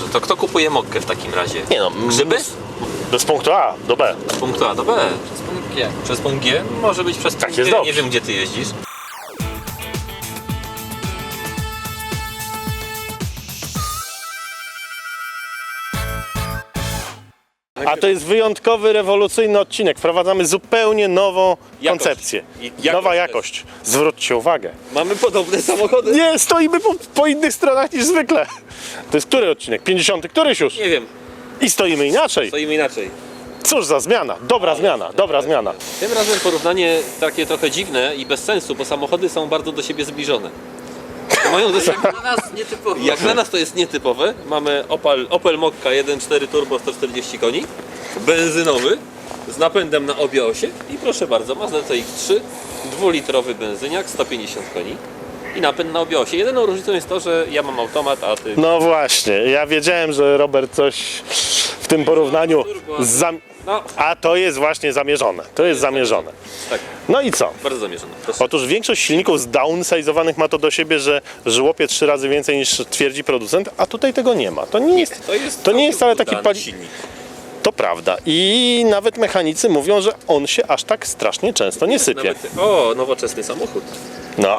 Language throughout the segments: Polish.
To kto kupuje mokkę w takim razie? Nie no, Grzyby? z punktu A do B. Z punktu A do B. Przez punkt G. Przez punkt G? Może być przez punkt jest G. dobrze. Nie wiem, gdzie ty jeździsz. A to jest wyjątkowy, rewolucyjny odcinek. Wprowadzamy zupełnie nową Jakość. koncepcję. I jakość Nowa też. jakość. Zwróćcie uwagę. Mamy podobne samochody. Nie, stoimy po innych stronach niż zwykle. To jest który odcinek? 50. Któryś już? Nie wiem, I stoimy inaczej. stoimy inaczej. Cóż za zmiana. Dobra zmiana, dobra zmiana. Tym razem porównanie takie trochę dziwne i bez sensu, bo samochody są bardzo do siebie zbliżone. Mają do siebie... Dla nas nietypowo. Jak dla nas to jest nietypowe, mamy Opel Mokka 1.4 turbo 140 koni, benzynowy, z napędem na obie osie i proszę bardzo, Mazda CX-3, 2-litrowy benzyniak, 150 koni i napęd na obie osie. Jedyną różnicą jest to, że ja mam automat, a ty... No właśnie, ja wiedziałem, że Robert coś w tym porównaniu... No, A to jest właśnie zamierzone. To jest zamierzone. tak, No i co? bardzo zamierzone. Proszę. Otóż większość silników zdownsizowanych ma to do siebie, że żłopie 3 razy więcej niż twierdzi producent, a tutaj tego nie ma. To nie jest wcale taki udany silnik. To prawda. I nawet mechanicy mówią, że on się aż tak strasznie często nie sypie. O, nowoczesny samochód. No,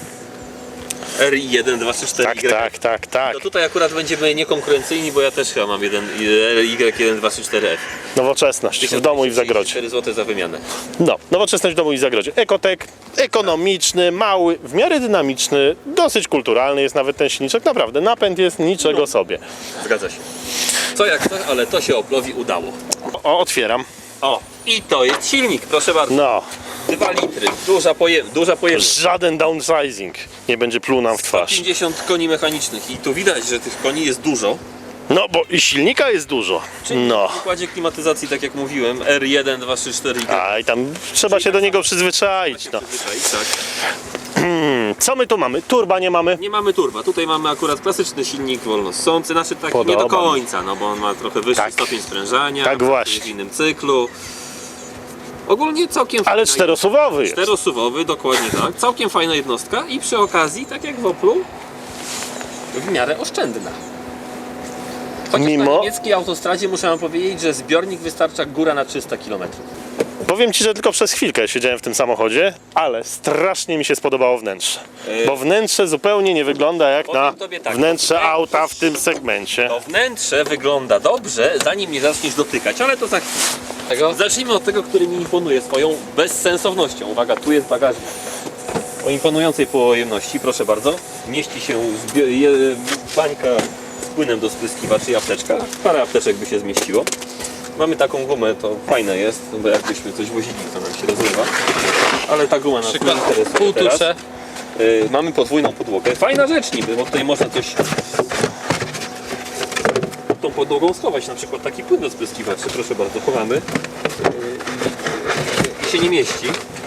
RI1 234Y. tak. To tutaj akurat będziemy niekonkurencyjni, bo ja też chyba mam RY1 234F. Nowoczesność w domu i w zagrodzie. 4 zł za wymianę. No, nowoczesność w domu i w zagrodzie. Ekotek, ekonomiczny, mały, w miarę dynamiczny, dosyć kulturalny jest nawet ten silniczek. Naprawdę, napęd jest niczego sobie. Zgadza się. Co jak to, ale to się Oplowi udało. O, otwieram. O, i to jest silnik, proszę bardzo. No, 2 litry, duża pojemność. żaden downsizing nie będzie pluł nam w twarz. 50 koni mechanicznych i tu widać, że tych koni jest dużo. No, bo i silnika jest dużo. No. W układzie klimatyzacji, tak jak mówiłem, R1 234Y. A i tam trzeba się do niego przyzwyczaić. No. Tak. Co my tu mamy? Turba nie mamy? Nie mamy turba, tutaj mamy akurat klasyczny silnik wolnossący, znaczy taki Podoba nie do mi. końca, no bo on ma trochę wyższy Tak. stopień sprężania, Tak właśnie. w innym cyklu. Ogólnie całkiem Ale fajna- czterosuwowy jest. Czterosuwowy, dokładnie tak. Całkiem fajna jednostka i przy okazji, tak jak w Oplu, w miarę oszczędna. Chociaż na Mimo- niemieckiej autostradzie muszę wam powiedzieć, że zbiornik wystarcza góra na 300 km. Powiem Ci, że tylko przez chwilkę siedziałem w tym samochodzie, ale strasznie mi się spodobało wnętrze. Bo wnętrze zupełnie nie wygląda jak Powiem na tobie tak, wnętrze auta w tym segmencie. To wnętrze wygląda dobrze, zanim nie zaczniesz dotykać, ale to za chwilę. Tego? Zacznijmy od tego, który mi imponuje swoją bezsensownością. Uwaga, tu jest bagażnik o imponującej pojemności, proszę bardzo. Mieści się bańka z płynem do spryskiwaczy i apteczka. Parę apteczek by się zmieściło. Mamy taką gumę, to fajne jest, bo jakbyśmy coś wozili, to nam się rozrywa. Ale ta guma nas nie Przykład interesuje półtusze. teraz. Mamy podwójną podłogę. Fajna rzecz niby, bo tutaj można coś tą podłogą schować, na przykład taki płyn do spryskiwaczy, proszę bardzo, chowamy. I się nie mieści.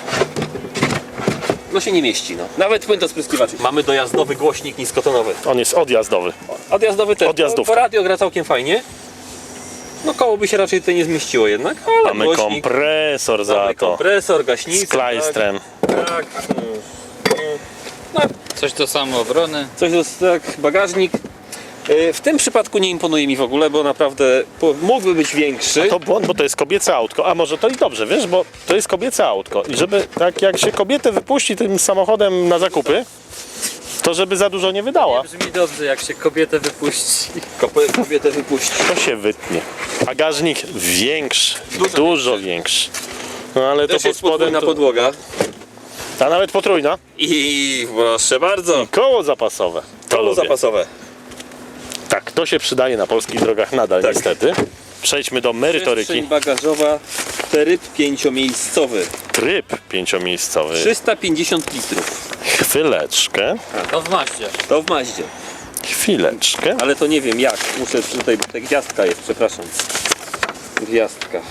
No się nie mieści, no. Nawet płyn do spryskiwaczy. Mamy dojazdowy głośnik niskotonowy. On jest odjazdowy. Odjazdowy też. Odjazdówka. Bo radio gra całkiem fajnie. No koło by się raczej tutaj nie zmieściło jednak, ale Mamy głośnik, kompresor za mamy to. kompresor, gaśnicę. Z klajstrem. Tak. No, Coś do samoobrony. coś do, tak, bagażnik. W tym przypadku nie imponuje mi w ogóle, bo naprawdę mógłby być większy. To błąd, bo to jest kobiece autko. A może to i dobrze, wiesz, bo to jest kobiece autko. I żeby tak jak się kobietę wypuści tym samochodem na zakupy, to żeby za dużo nie wydała. Brzmi dobrze, jak się kobietę wypuści. Kobietę wypuści. To się wytnie. Bagażnik większy, dużo większy. No ale to Też pod jest spodem podwójna to, podłoga. a nawet potrójna. I proszę bardzo. Koło zapasowe. To Koło lubię. zapasowe. Tak, to się przydaje na polskich drogach nadal Tak. niestety. Przejdźmy do merytoryki. Przestrzeń bagażowa, tryb 5-miejscowy. Tryb 5-miejscowy. 350 litrów. Chwileczkę. To w maście. To w Maździe. Chwileczkę. Ale to nie wiem jak. Muszę tutaj, bo ta gwiazdka jest, przepraszam. Gwiazdka.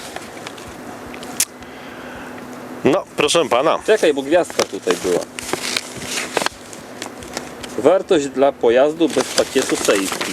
No, proszę pana. Czekaj, bo gwiazdka tutaj była. Wartość dla pojazdu bez pakietu safety.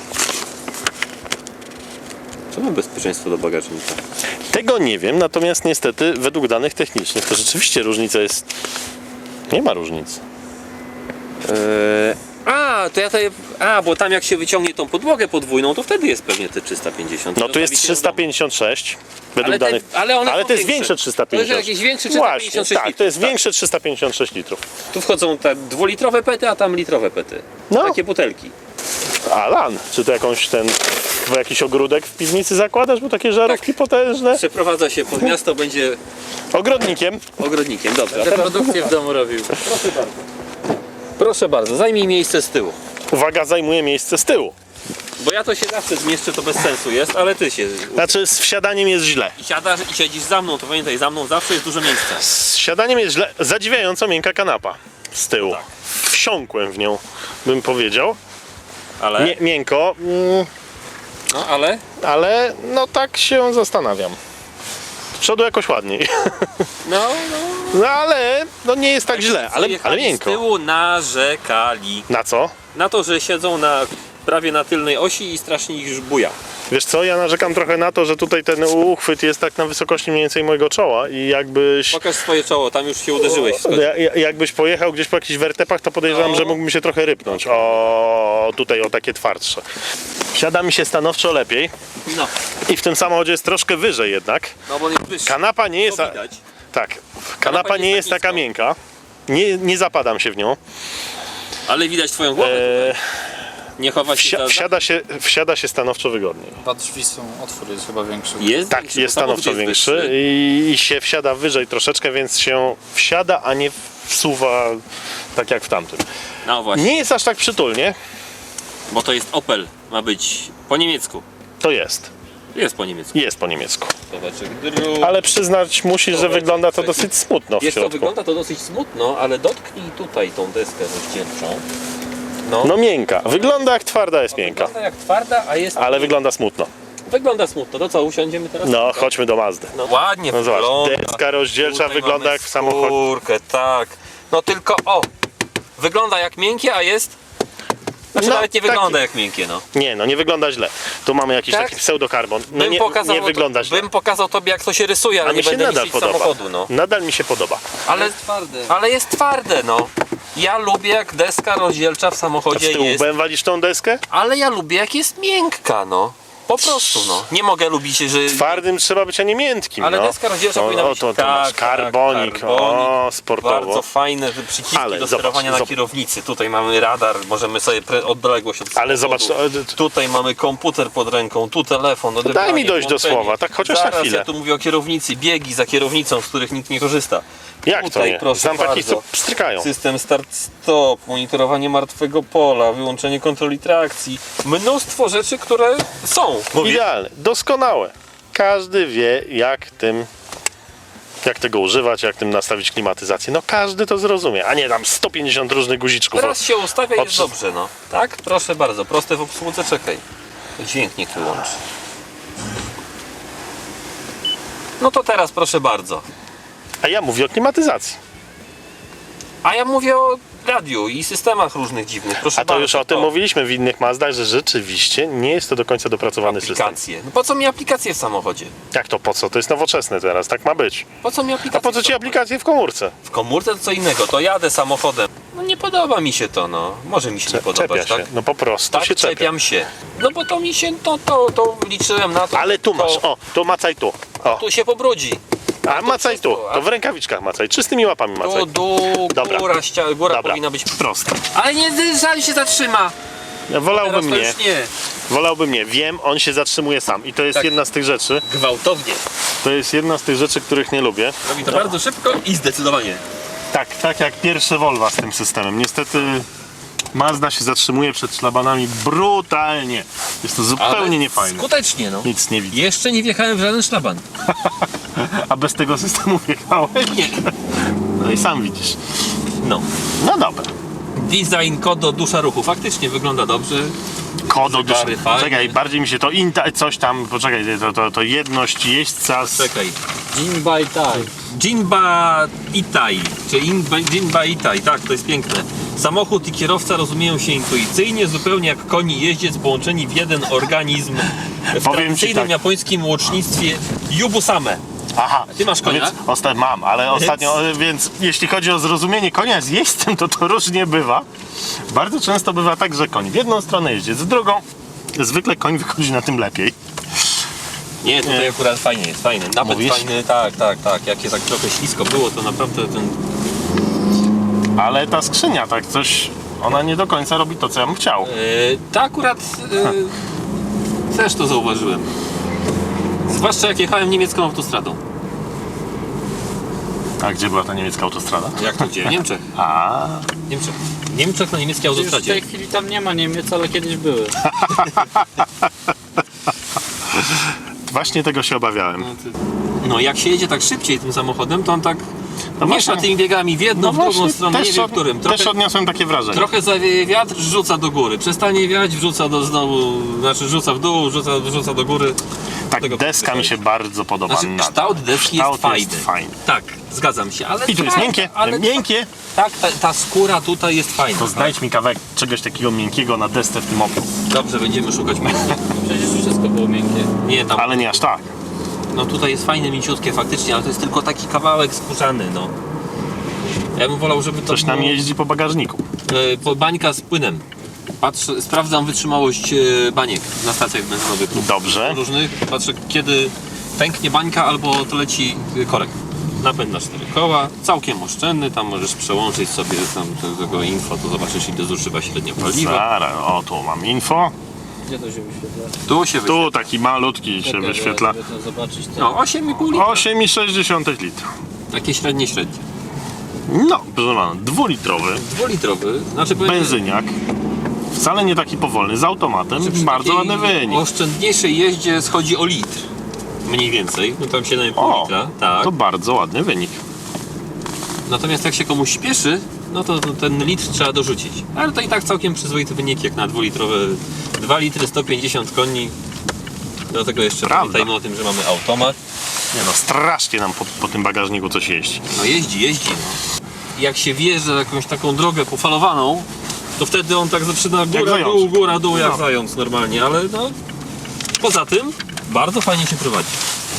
Czemu bezpieczeństwo do bagażnika? Tego nie wiem, natomiast niestety według danych technicznych to rzeczywiście różnica jest... Nie ma różnicy. to ja tutaj... bo tam jak się wyciągnie tą podłogę podwójną, to wtedy jest pewnie te 350. No tu jest Zostawicie w domu. 356 według Ale te- danych. ale one są to jest większe. większe 356. To jest jakieś większe Właśnie, 356 tak, to jest litrów, większe 356 litrów. Tu wchodzą te dwulitrowe pety, a tam litrowe pety. No. Takie butelki. Alan, czy to jakiś ogródek w piwnicy zakładasz, bo takie żarówki potężne? Przeprowadza się pod miasto, będzie Ogrodnikiem. ogrodnikiem. Dobrze, a Te teraz produkcje w domu robił. proszę bardzo, zajmij miejsce z tyłu. Uwaga, zajmuje miejsce z tyłu. Bo ja to się zawsze zmieszczę, to bez sensu jest, ale ty się... Znaczy z wsiadaniem jest źle. I siadasz i siedzisz za mną, to pamiętaj, za mną zawsze jest dużo miejsca. Z siadaniem jest źle. Zadziwiająco miękka kanapa z tyłu. Tak. Wsiąkłem w nią, bym powiedział. Ale... Miękko, No, ale... ale no tak się zastanawiam. Z przodu jakoś ładniej. No, No ale no nie jest tak źle, ale jechali z miękko. tyłu narzekali. Na co? Na to, że siedzą prawie na tylnej osi i strasznie ich buja. Wiesz co, ja narzekam trochę na to, że tutaj ten uchwyt jest tak na wysokości mniej więcej mojego czoła i jakbyś... Pokaż swoje czoło, tam już się uderzyłeś w skodzie. Jakbyś pojechał gdzieś po jakichś wertepach, to podejrzewam, No. że mógłbym się trochę rypnąć. O, tutaj o takie twardsze. Wsiada mi się stanowczo lepiej No, i w tym samochodzie jest troszkę wyżej jednak. no bo on jest wyższy. Kanapa nie jest... To widać. Tak, kanapa nie jest tak taka nisko. miękka. Nie zapadam się w nią. Ale widać twoją głowę tutaj. Nie chowa się Wsiada się stanowczo wygodniej. Dwa drzwi są, otwór jest chyba większy. Jest Tak, większy, jest bo samochód stanowczo jest większy wyższy. i się wsiada wyżej troszeczkę, więc się wsiada, a nie wsuwa tak jak w tamtym. No właśnie, Nie jest aż tak przytulnie, bo to jest Opel. Ma być po niemiecku. to jest. Jest po niemiecku. Jest po niemiecku. Zobaczek drut. Ale przyznać musisz, że Dobra, wygląda to czekaj. dosyć smutno w Wiesz co, środku. wygląda to dosyć smutno, ale dotknij tutaj tą deskę rozdzielczą. No miękka. Wygląda jak twarda jest miękka. Wygląda jak twarda, a jest... Ale wygląda smutno. Wygląda smutno. To co, usiądziemy teraz? No, chodźmy do Mazdy. No ładnie No zobacz, wygląda. deska rozdzielcza Tutaj wygląda mamy jak w samochodzie. skórkę, tak. No tylko wygląda jak miękkie, a jest... Znaczy No, nawet nie taki- wygląda jak miękkie, no. Nie, no nie wygląda źle. Tu mamy jakiś Tak? taki pseudokarbon. No nie wygląda źle. Bym pokazał tobie, jak to się rysuje, ale A nie mi się będę nadal niszczyć podoba. samochodu, no. Nadal mi się podoba. Ale jest twarde, no. Ja lubię, jak deska rozdzielcza w A z samochodzie tyłu jest, walisz tą deskę? ale ja lubię, jak jest miękka, no. Po prostu, no. Nie mogę lubić, że... Twardym trzeba być, a nie miętkim. Ale no. deska rozdzielcza powinna być to masz karbonik, o, sportowo. Bardzo fajne te przyciski Ale do zobacz, sterowania na zobacz. kierownicy. Tutaj mamy radar, możemy sobie odległość od Ale samochodu. zobacz, Tutaj mamy komputer pod ręką, tu telefon, odebranie, daj mi dojść do włączenie. słowa, tak chociaż na Zaraz, chwilę. ja tu mówię o kierownicy, biegi za kierownicą, z których nikt nie korzysta. Jak to Tutaj, nie? proszę Znam takich, bardzo. co pstrykają. System start-stop, monitorowanie martwego pola, wyłączenie kontroli trakcji. Mnóstwo rzeczy, które są. Mówię, Idealne, doskonałe. Każdy wie, jak tego używać, jak tym nastawić klimatyzację. No każdy to zrozumie, a nie tam 150 różnych guziczków. teraz się ustawia i jest Obs- dobrze, no. Tak? Proszę bardzo, proste w obsłudze, czekaj. Dźwięk niech wyłączy. No to teraz proszę bardzo. A ja mówię o klimatyzacji. A ja mówię o radiu i systemach różnych dziwnych, proszę A to bardzo. już o tym mówiliśmy w innych Mazdach, że rzeczywiście nie jest to do końca dopracowany system. Aplikacje. No po co mi aplikacje w samochodzie? Jak to po co? To jest nowoczesne teraz, tak ma być. Po co mi aplikacje? A po co w ci samochodzie? aplikacje w komórce? W komórce to co innego, to jadę samochodem. No nie podoba mi się to, no. Może mi się nie podobać, Czepia się. tak? No po prostu Tak, się czepia. czepiam się. No bo to mi się, to liczyłem na to. Ale tu masz, to, o, tu macaj tu. O, Tu się pobrudzi. a macaj tu. wszystko, a- To w rękawiczkach macaj, czystymi łapami macaj. Góra, góra Dobra. powinna być Proste. Ale nie, żal się zatrzyma. Wolałbym Teraz to nie. już nie. Wolałbym nie. Wiem, on się zatrzymuje sam. I to jest Tak. jedna z tych rzeczy. Gwałtownie. To jest jedna z tych rzeczy, których nie lubię. Robi to bardzo szybko i zdecydowanie. Tak jak pierwsze Volvo z tym systemem. Niestety Mazda się zatrzymuje przed szlabanami brutalnie. Jest to zupełnie niefajne. Skutecznie, no. Nic nie widzę. Jeszcze nie wjechałem w żaden szlaban. A bez tego systemu wjechałeś? Nie. No i sam widzisz. No. No dobra. Design kodo dusza ruchu. Faktycznie wygląda dobrze. Kodo Zegary fajne. Czekaj, bardziej mi się to coś tam, poczekaj, to jedność jeźdźca z... Czekaj. Jinba i Tai. Jinba Itai, czy Jinba Itai, tak, to jest piękne. Samochód i kierowca rozumieją się intuicyjnie, zupełnie jak koń i jeździec połączeni w jeden organizm w Powiem ci tradycyjnym tak. japońskim łocznictwie Yubusame. Aha, Ty masz konia? Mam, ale ostatnio, więc jeśli chodzi o zrozumienie konia z jeźdźcem, to różnie bywa. Bardzo często bywa tak, że koń w jedną stronę jeździ, z drugą. Zwykle koń wychodzi na tym lepiej. Nie, tutaj akurat fajnie jest, fajny. Napęd Mówisz? fajny, tak. Jak jest tak trochę ślisko było, to naprawdę ten... Ale ta skrzynia, tak coś, ona nie do końca robi to, co ja bym chciał. Ta akurat też to zauważyłem. Zwłaszcza jak jechałem niemiecką autostradą. A gdzie była ta niemiecka autostrada? Jak to gdzie? W Niemczech. A, W Niemczech na niemieckiej Już w autostradzie. tej chwili tam nie ma Niemiec, ale kiedyś były. właśnie tego się obawiałem. No jak się jedzie tak szybciej tym samochodem, to on tak No miesza właśnie. tymi biegami w jedną, w drugą stronę, nie wiem w którym. też odniosłem takie wrażenie. Trochę zawieje wiatr, rzuca do góry. Przestanie wiać, wrzuca do znowu, znaczy rzuca w dół, rzuca do góry. Tak, tego deska mi się bardzo podoba. Znaczy na kształt deski jest fajny. Tak, zgadzam się, ale... I tu jest miękkie, ale miękkie. Tak, ta skóra tutaj jest fajna. To znajdź mi kawałek czegoś takiego miękkiego na desce w tym Oplu. Dobrze, będziemy szukać miękkie. Przecież wszystko było miękkie. Nie, tam, Ale nie aż tak. no tutaj jest fajne, mięciutkie faktycznie, ale to jest tylko taki kawałek skórzany, no. Ja bym wolał, żeby to Coś nam było, jeździ po bagażniku. bańka z płynem. Patrzę, sprawdzam wytrzymałość baniek na stacjach benzynowych lub Dobrze. różnych. Patrzę, kiedy pęknie bańka albo to leci korek. Napęd na 4 koła, całkiem oszczędny, tam możesz przełączyć sobie tam tego info, to zobaczysz ile zużywa średnio paliwa. Zaraz, o tu mam info. Gdzie to się wyświetla? Tu się wyświetla. Tu taki malutki się Czekaj, wyświetla. żeby to zobaczyć. No 8,5 litra. 8,6 litra. Takie średnie. No, proszę pana, 2-litrowy 2-litrowy, znaczy powiem, benzyniak. Wcale nie taki powolny, z automatem. że przy Bardzo takiej ładny wynik. oszczędniejszej jeździe schodzi o litr. Mniej więcej, no tam 7,5 O, litra, tak. to bardzo ładny wynik. Natomiast jak się komuś śpieszy, no to ten litr trzeba dorzucić. Ale to i tak całkiem przyzwoity wynik jak na 2-litrowe. 2 litry 150 koni. Do tego jeszcze Prawda. pamiętajmy o tym, że mamy automat. Nie no, strasznie nam po tym bagażniku coś jeździ. No jeździ. No. Jak się wjeżdża jakąś taką drogę pofalowaną, to wtedy on tak zaczyna góra, dół jak No. zając normalnie, ale no poza tym bardzo fajnie się prowadzi.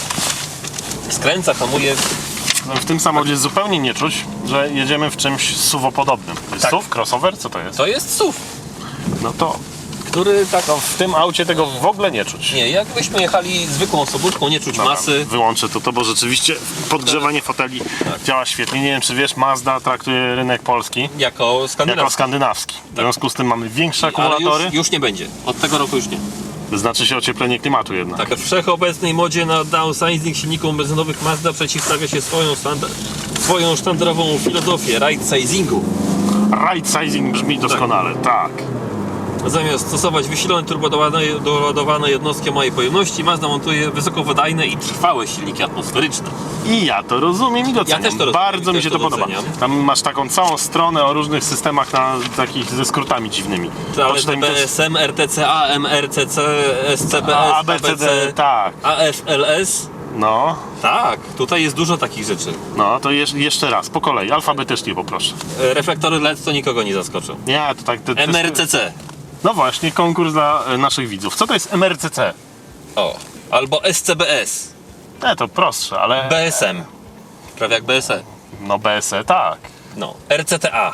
Skręca, hamuje. No, w tym samochodzie zupełnie nie czuć, że jedziemy w czymś SUV-podobnym. To jest Tak. SUV? Crossover? Co to jest? To jest SUV, No to który tak... no, w tym aucie tego w ogóle nie czuć. Nie, jakbyśmy jechali zwykłą osobówką, nie czuć Dobra, masy. Wyłączę to, bo rzeczywiście podgrzewanie foteli działa świetnie. Nie wiem, czy wiesz, Mazda traktuje rynek polski Jako skandynawski. jako skandynawski. W związku z tym mamy większe Ale akumulatory. już nie będzie. Od tego roku już nie. Znaczy się ocieplenie klimatu jednak. Tak, w wszechobecnej modzie na downsizing silników benzynowych Mazda przeciwstawia się swoją sztandarową filozofię right-sizingu. Right sizing brzmi doskonale, tak. Zamiast stosować wysilone turbodoładowane jednostki o małej pojemności, Mazda montuje wysokowydajne i trwałe silniki atmosferyczne. I ja to rozumiem i doceniam. też to rozumiem, Bardzo mi też się to to podoba. doceniam. Tam masz taką całą stronę o różnych systemach takich ze skrótami dziwnymi. Ale Poczytaj mi to- BSM, RTC, AM, RCC, SCBS, A, B, C, D, ABC, tak. AFLS. No, Tak, tutaj jest dużo takich rzeczy. no to jeszcze raz, po kolei, alfabetycznie poproszę. Reflektory LED to nikogo nie zaskoczą. Nie, to tak... MRCC. No właśnie, konkurs dla naszych widzów. Co to jest MRCC? O. Albo SCBS. To prostsze, ale... BSM. Prawie jak BSE. No BSE, tak. No. RCTA.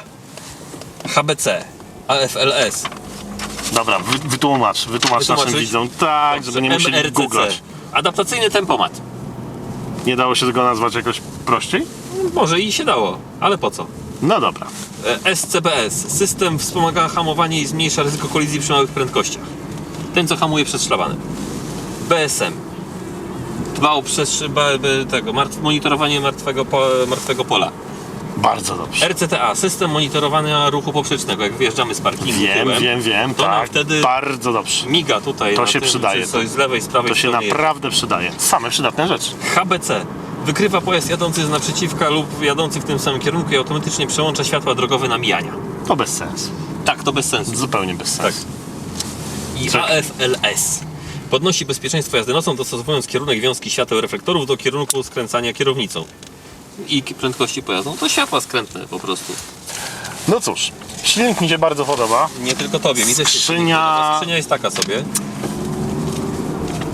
HBC. AFLS. Dobra, wytłumacz naszym Wytłumaczyć? widzom. Tak, żeby nie musieli MRCC. googlać. Adaptacyjny tempomat. Nie dało się tego nazwać jakoś prościej? Może i się dało, ale po co? No dobra. SCBS. System wspomaga hamowanie i zmniejsza ryzyko kolizji przy małych prędkościach. Ten, co hamuje przed szlabanem. BSM. Dba o monitorowanie martwego pola. Bardzo dobrze. RCTA. System monitorowania ruchu poprzecznego. Jak wyjeżdżamy z parkingu Wiem, to nam tak. wtedy Bardzo dobrze. miga tutaj. To na się tym, przydaje. czy coś z lewej, z prawej To się strony jest. naprawdę przydaje. Same przydatne rzeczy. HBC. Wykrywa pojazd jadący z naprzeciwka lub jadący w tym samym kierunku i automatycznie przełącza światła drogowe na mijania. To bez sensu. Tak, to bez sensu. Zupełnie bez Tak. sensu. I Tak. AFLS. Podnosi bezpieczeństwo jazdy nocą, dostosowując kierunek wiązki świateł reflektorów do kierunku skręcania kierownicą. I prędkości pojazdu. No to światła skrętne po prostu. No cóż, silnik mi się bardzo podoba. Nie tylko tobie, mi też się Skrzynia- Skrzynia jest taka sobie.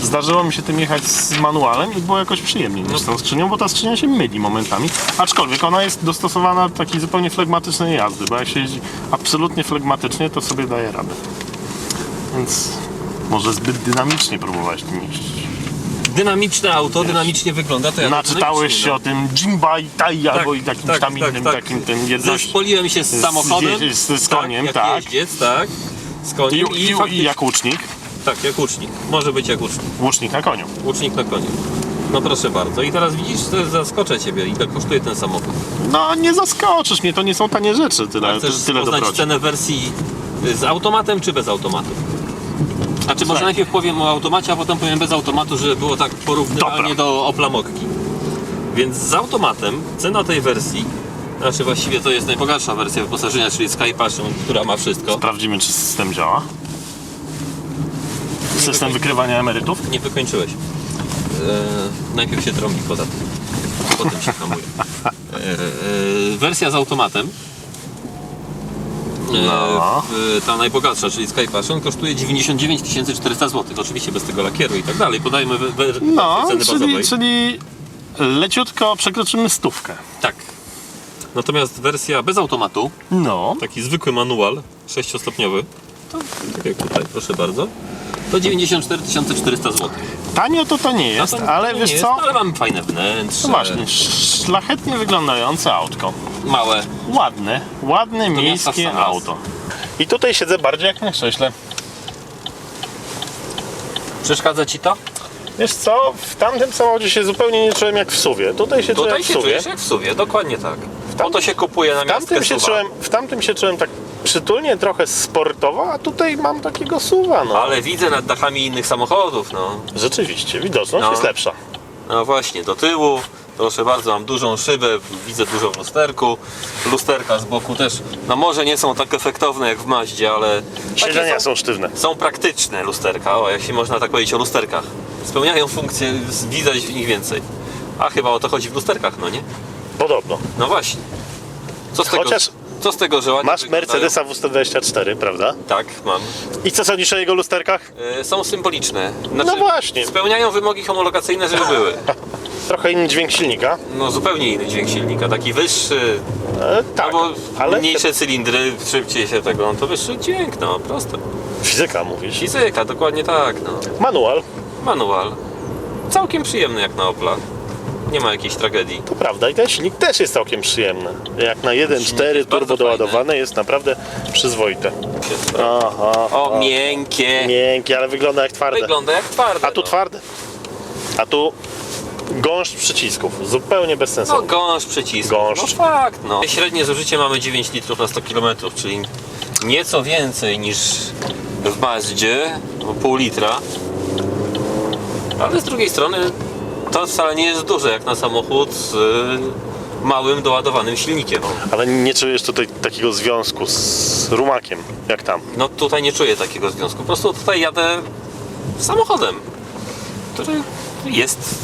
Zdarzyło mi się tym jechać z manualem i było jakoś przyjemniej niż z tą skrzynią, bo ta skrzynia się myli momentami. Aczkolwiek ona jest dostosowana do takiej zupełnie flegmatycznej jazdy, bo jak się jeździ absolutnie flegmatycznie, to sobie daje radę. Więc może zbyt dynamicznie próbować tym jeździć. Dynamiczne auto, dynamicznie wygląda, to ja Naczytałeś się o tym Jimbai Tai albo Tak, jakimś tam innym takim tym jedności. Zespoliłem się z samochodem. Z koniem, jak tak. jeździec, tak. Z koniem I faktycznie- jak łucznik. Tak, jak łucznik. Może być jak łucznik. Łucznik na koniu. Łucznik na koniu. No proszę bardzo. I teraz widzisz, to zaskoczę Ciebie. Ile kosztuje ten samochód? No nie zaskoczysz mnie, to nie są tanie rzeczy, tyle Chcesz poznać dobroci. cenę wersji z automatem czy bez automatu? A czy może najpierw powiem o automacie, a potem powiem bez automatu, żeby było tak porównywalnie Dobra. do Opla Mokki. Więc z automatem cena tej wersji, znaczy właściwie to jest najbogatsza wersja wyposażenia, czyli Sky Passion, która ma wszystko. Sprawdzimy, czy system działa. System wykrywania emerytów? Nie wykończyłeś. Najpierw się trąbi podatek, potem się hamuje. Wersja z automatem, No. ta najbogatsza, czyli Sky Passion, kosztuje 99 400 zł. Oczywiście bez tego lakieru i tak dalej. Podajmy No, ceny bazowej. czyli leciutko przekroczymy 100. Tak. Natomiast wersja bez automatu, No. taki zwykły manual 6-stopniowy, to tak jak tutaj, proszę bardzo, to 94 400 zł. Tanio to nie jest, No to ale nie wiesz jest, co? Ale mamy fajne wnętrze, No właśnie, szlachetnie wyglądające autko. małe. Ładne miasta miejskie sam raz. auto. I tutaj siedzę bardziej jak na krześle. Przeszkadza Ci to? Wiesz co, w tamtym samochodzie się zupełnie nie czułem jak w SUV-ie. Tutaj się czułem Tutaj jak w się SUV-ie. czujesz jak w suwie, dokładnie tak. Po to się kupuje na miastkę W tamtym się czułem tak przytulnie, trochę sportowo, a tutaj mam takiego SUV-a, no. Ale widzę nad dachami innych samochodów, no. Rzeczywiście, widoczność No. jest lepsza. No właśnie, do tyłu. Proszę bardzo, mam dużą szybę, widzę dużo w lusterku. Lusterka z boku też, no może nie są tak efektowne jak w Mazdzie, ale Siedzenia takie są sztywne. są praktyczne lusterka, o, jak się można tak powiedzieć o lusterkach. Spełniają funkcję, widać w nich więcej. A chyba o to chodzi w lusterkach, no nie? Podobno. No właśnie. Co z tego, Chociaż co z tego że ładnie masz wyglądają? Mercedesa W124, prawda? Tak, mam. I co sądzisz o jego lusterkach? Są symboliczne. Znaczy, No właśnie. Spełniają wymogi homologacyjne, żeby były. Trochę inny dźwięk silnika. No zupełnie inny dźwięk silnika, taki wyższy, Tak, albo ale mniejsze cylindry, szybciej się tego, no to wyższy dźwięk, no proste. fizyka mówisz. Fizyka, dokładnie tak, no. Manual, Manual. Całkiem przyjemny jak na Opla. Nie ma jakiejś tragedii. to prawda. I ten silnik też jest całkiem przyjemny. Jak na 1.4 jest turbo bardzo doładowane jest naprawdę przyzwoite. Aha, O, miękkie. miękkie, ale wygląda jak twarde. Wygląda jak twarde. A tu no. twarde. A tu gąszcz przycisków. Zupełnie bez sensu. No gąszcz przycisku. Gąszcz. No fakt, no. Średnie zużycie mamy 9 litrów na 100 km, czyli nieco więcej niż w Mazdzie, bo pół litra. Ale z drugiej strony to wcale nie jest duże jak na samochód z małym doładowanym silnikiem. Ale nie czujesz tutaj takiego związku z rumakiem, jak tam. No tutaj nie czuję takiego związku. Po prostu tutaj jadę samochodem, który jest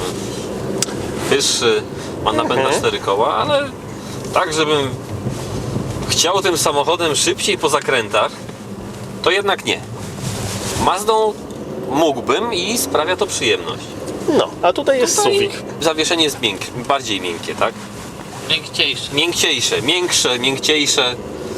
wyższy, ma napęd na 4 koła, ale tak, żebym chciał tym samochodem szybciej po zakrętach, to jednak nie. Mazdą mógłbym i sprawia to przyjemność. No, a tutaj jest Tutaj suwik. zawieszenie jest bardziej miękkie, tak? Miękciejszy. Miękciejsze, miększe, miękciejsze,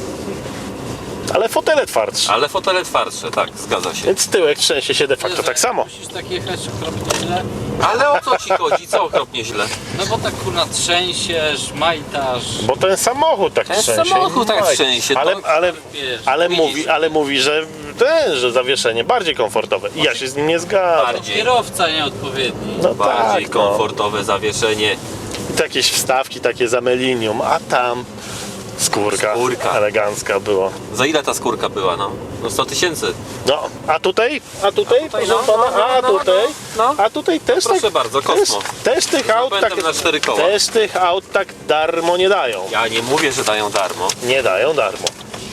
Ale fotele twardsze. ale fotele twardsze, tak, zgadza się. Więc tyłek trzęsie się de facto tak samo. Musisz tak jechać okropnie źle. Ale o co ci chodzi? Co okropnie źle? No bo tak kurna trzęsiesz, majtasz. Bo ten samochód tak Ten trzęsie. samochód tak Oj, trzęsie, Ale, to- ale, Wiesz, ale mówi, że że zawieszenie bardziej komfortowe. I ja się z nim nie zgadzam. Bardziej. Kierowca nieodpowiedni. No Bardziej tak, no. komfortowe zawieszenie. I to jakieś wstawki takie za melinium, a tam skórka, Skórka. elegancka było. Za ile ta skórka była, no? No 100 000. No, a tutaj, proszę no, pana, no, a no, tutaj, no. a tutaj też Proszę tak, bardzo, też, Kosmo. też tych aut tak, napędem na 4 koła. też tych aut tak darmo nie dają. Ja nie mówię, że dają darmo. Nie dają darmo.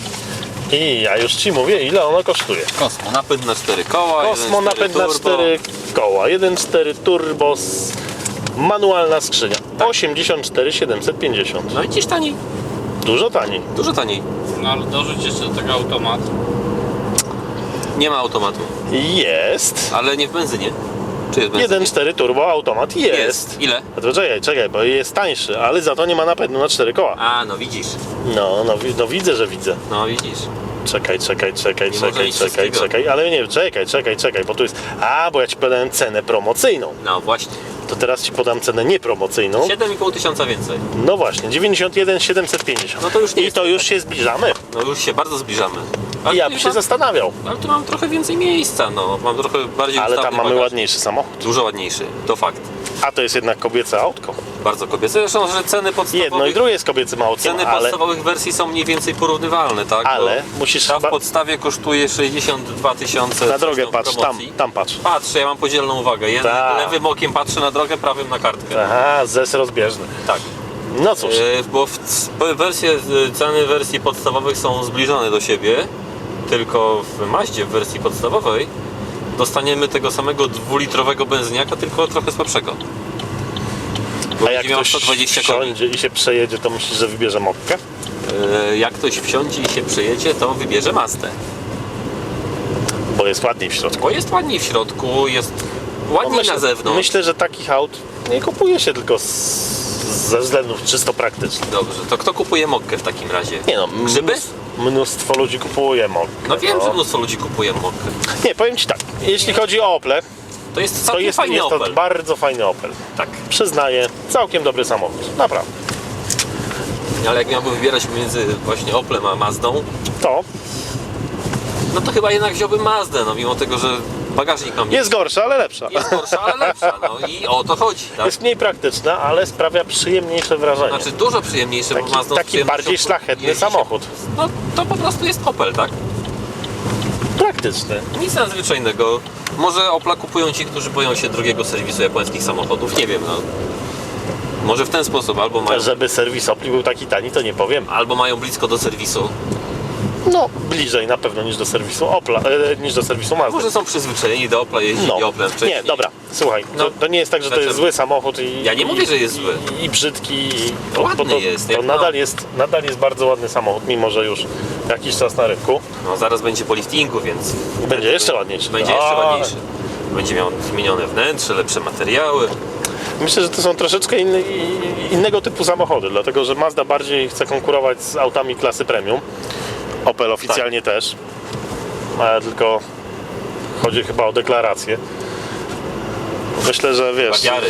I ja już ci mówię, ile ono kosztuje. Kosmo, napęd na 4 koła. Kosmo 1.4 napęd na turbo. 4 koła, 1.4 turbo, manualna skrzynia, 84 750. No i dziś taniej. Dużo taniej. Dużo taniej. No ale dorzuć jeszcze do tego automat. Nie ma automatu. Jest. Ale nie w benzynie. Czy jest w benzynie? 1.4 turbo automat jest. Ile? A to czekaj, bo jest tańszy, ale za to nie ma napędu na 4 koła. A, no widzisz. No widzę, że widzę. No widzisz. Czekaj, Nie może mieć wszystkiego. ale nie, czekaj, bo tu jest... bo ja ci podałem cenę promocyjną. No właśnie. To teraz ci podam cenę niepromocyjną. 7,5 tysiąca więcej. No właśnie, 91 750. No to już nie I jest to tak. już się zbliżamy. No już się bardzo zbliżamy. Ale I ja tu bym się mam- zastanawiał. Ale tu mam trochę więcej miejsca, no. Mam trochę bardziej Ale tam ustawny mamy bagaż. ładniejszy samochód. Dużo ładniejszy, to fakt. A to jest jednak kobiece autko. Bardzo kobiece. Zresztą, że ceny podstawowych... Jedno i drugie jest kobiecym autkiem, Ceny ale... podstawowych wersji są mniej więcej porównywalne, tak? Ale Bo musisz ta w chyba- podstawie kosztuje 62 tysiące. Na drogę patrz, tam patrz. Patrzę, ja mam podzielną uwagę. Tak. Lewym okiem patrzę na drogę, prawym na kartkę. Aha, zes rozbieżny. Tak. No cóż, Bo ceny wersji podstawowych są zbliżone do siebie, tylko w Mazdzie w wersji podstawowej dostaniemy tego samego 2-litrowego benzyniaka, tylko trochę słabszego. Bo a jak będzie miał ktoś 120 koni. wsiądzie i się przejedzie, to myślisz, że wybierze mokkę? Jak ktoś wsiądzie i się przejedzie, to wybierze Mazdę. Bo jest ładniej w środku. Bo jest ładniej w środku, jest ładniej na zewnątrz. Myślę, że takich aut nie kupuje się tylko ze względów czysto praktycznych. Dobrze, to kto kupuje mokkę w takim razie? Nie no, Grzyby? mnóstwo ludzi kupuje mokkę. No wiem, że mnóstwo ludzi kupuje mokkę. Nie, powiem ci tak, jeśli chodzi o Ople, To jest to całkiem jest fajny to Opel. bardzo fajny Opel. Tak. Przyznaję, całkiem dobry samochód, naprawdę. Ale jak miałbym wybierać między właśnie Oplem a Mazdą, To no to chyba jednak wziąłbym Mazdę, no mimo tego, że bagażnik mam jest gorsza, ale lepsza. jest gorsza, ale lepsza, no i o to chodzi, tak? Jest mniej praktyczna, ale sprawia przyjemniejsze wrażenie. Znaczy dużo przyjemniejsze, bo Mazdą z Taki przyjemnością bardziej szlachetny jeździ się- samochód. No to po prostu jest Opel, tak? Praktyczny. Nic nadzwyczajnego. Może Opla kupują ci, którzy boją się drogiego serwisu japońskich samochodów, nie wiem, no. Może w ten sposób, Żeby serwis Opli był taki tani, to nie powiem. albo mają blisko do serwisu. No, bliżej na pewno niż do serwisu Opla, niż do serwisu Mazdy. Może są przyzwyczajeni do Opla, jeździli Oplem wcześniej. Nie, dobra, słuchaj, No. to nie jest tak, że to Dlaczego? jest zły samochód i... Ja nie mówię, że jest zły. I brzydki, i... Ładny jest, To jak nadal jest bardzo ładny samochód, mimo że już jakiś czas na rynku. No zaraz będzie po liftingu, więc... Będzie jeszcze ładniejszy. Będzie jeszcze ładniejszy. Będzie miał zmienione wnętrze, lepsze materiały. Myślę, że to są troszeczkę innego typu samochody, dlatego że Mazda bardziej chce konkurować z autami klasy premium. Opel oficjalnie też, ale tylko chodzi chyba o deklarację. Myślę, że wiesz, Bagiary.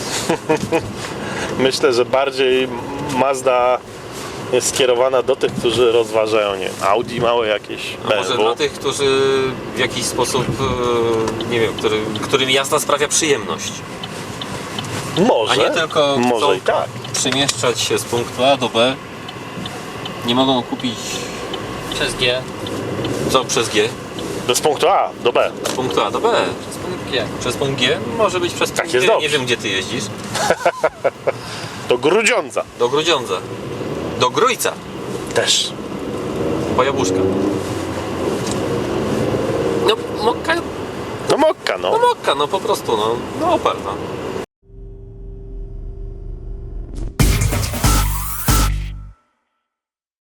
myślę, że bardziej Mazda jest skierowana do tych, którzy rozważają, nie wiem, Audi małe jakieś, A może BMW. dla tych, którzy w jakiś sposób, nie wiem, którym jazda sprawia przyjemność. Może, A nie tylko może chcą i tak. przemieszczać się z punktu A do B. Nie mogą kupić Przez G. co przez G. Z punktu A do B. Z punktu A do B. Przez punkt G. Przez punkt G? Może być przez Tak punkt jest G. dobrze. Nie wiem, gdzie ty jeździsz. Do Grudziądza Do Grudziądza. Do Grójca. też. Po jabłuszka. No mokka, No Mokka, no po prostu, no Opel, no.